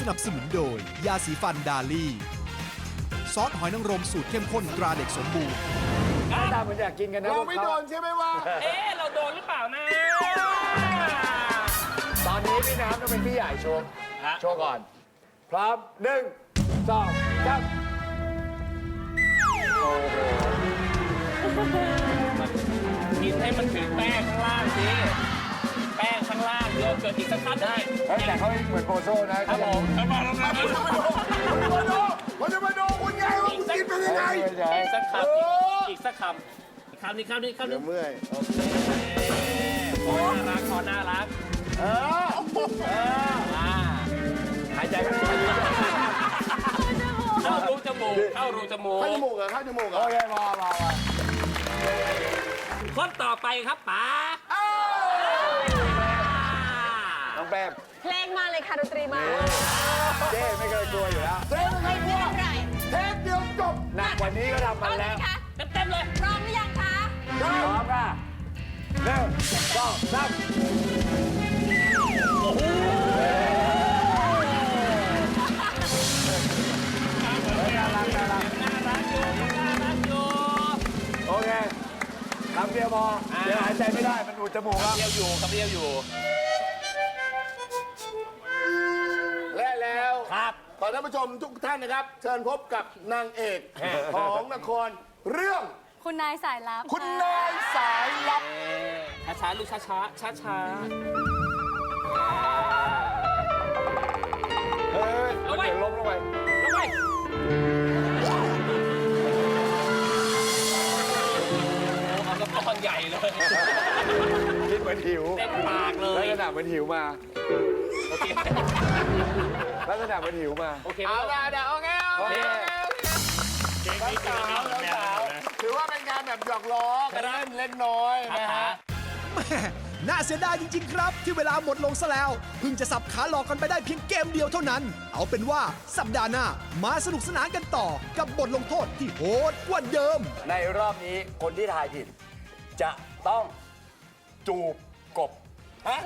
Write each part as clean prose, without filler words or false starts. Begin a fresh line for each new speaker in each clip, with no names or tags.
นับสนุนโดย ยาสีฟันดาลี่ ซอสหอยนางรมสูตรเข้มข้นตราเด็กสมบูรณ์
หน้าตาเหมือนอยากกินกันนะ
เราไม่โดนใช่ไหมวะ
เราโดนหรือเปล่านะ
ตอนนี้พี่น้ำต้องเป็นพี่ใหญ่โชว์โชว์ก่อน พร้อม1 2 3โอ้โห
กินให้มันถึงแป้งข้างล่างสิแป้งข้างล่างโยเกิร์ตอีกสักครั้งได้
เฮ้ยแต่เขาเหมือนโปโซ่นะครับ
ผมมา
ผมจะมาดูคุณไงว่าคุณกินเป็นยังไง
อีกสักคำอีกสักคำอีกคำนี้คำนี้คำนี้
เมื่อย
โอเคขอน่ารักขอน่ารัก
หายใจกัน
เข้ารูจมูกเข้ารูจมูก
ข้าวจมูกเหรอข้าวจมูกเหร
โอ
อ
เคพอ
คนต่อไปครับป๋า
น้องแป้ม
เพลงมาเลยค่ะดนตรีมา
เจ้ไม่เคยกลัวอยู่แล้ว
เจ๊ไม่เคยกลัว
ไม่เป็นไร
เทปเดียวจบ
หนักกว่านี้ก็ทำมา
เอาเล
แล้
ยว ค่ะ
เต็มเลย
พร้อมหรือยังคะ
พร้อมค่ะ1 2 3
น่ารักอยู่น่ารักอยู่
โอเคคำเดียวพอเดี๋ยวหายใจไม่ได้มันอุดจมูกครับ
เดียวอยู่ครับเดียวอยู่
และแล้ว
ครับ
ขอท่านผู้ชมทุกท่านนะครับ เชิญพบกับนางเอกของละครเรื่อง
คุณนายสายลับ
คุณนายสายลับ
ช้าๆลูกช้าๆช้า
เฮ้ยมันเดี๋ยวล้มลงไป
ๆแล้วไปเอากระป๋องใหญ่เลย
คิดเหมือนหิว
เต็มปากเล
ลั
ย
กษณะเหมือนหิวมา
โอเค
ลักษณะเหมือนหิวมา
โอเค
เอาละเดี๋ยวโอเคโอเค
สาว
ถือว่าเป็นงานแบบหยอกล้อกันเล่นเล็กน้อยนะฮะ
แม่น่าเสียดายจริง ๆ ครับ ที่เวลาหมดลงซะแล้ว เพิ่งจะสับขาหลอกกันไปได้เพียงเกมเดียวเท่านั้น เอาเป็นว่าสัปดาห์หน้ามาสนุกสนานกันต่อกับบทลงโทษที่โหดกว่าเดิม
ในรอบนี้คนที่ทายผิด จะต้องจูบกบฮะ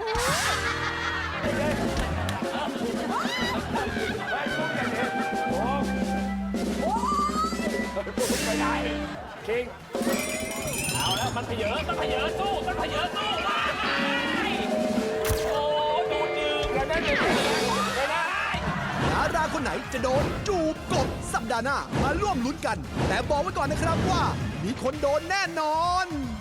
ไม่ได้คิง
เอาแล้วมันเผยมันเผยสู้มันเผยสู้ว้ายโอ้ดูดื่ม
แล้วนั่นเป็นไม่ได้
ดาราคนไหนจะโดนจูบกบสัปดาห์หน้ามาร่วมลุ้นกัน แต่บอกไว้ก่อนนะครับว่า มีคนโดนแน่นอน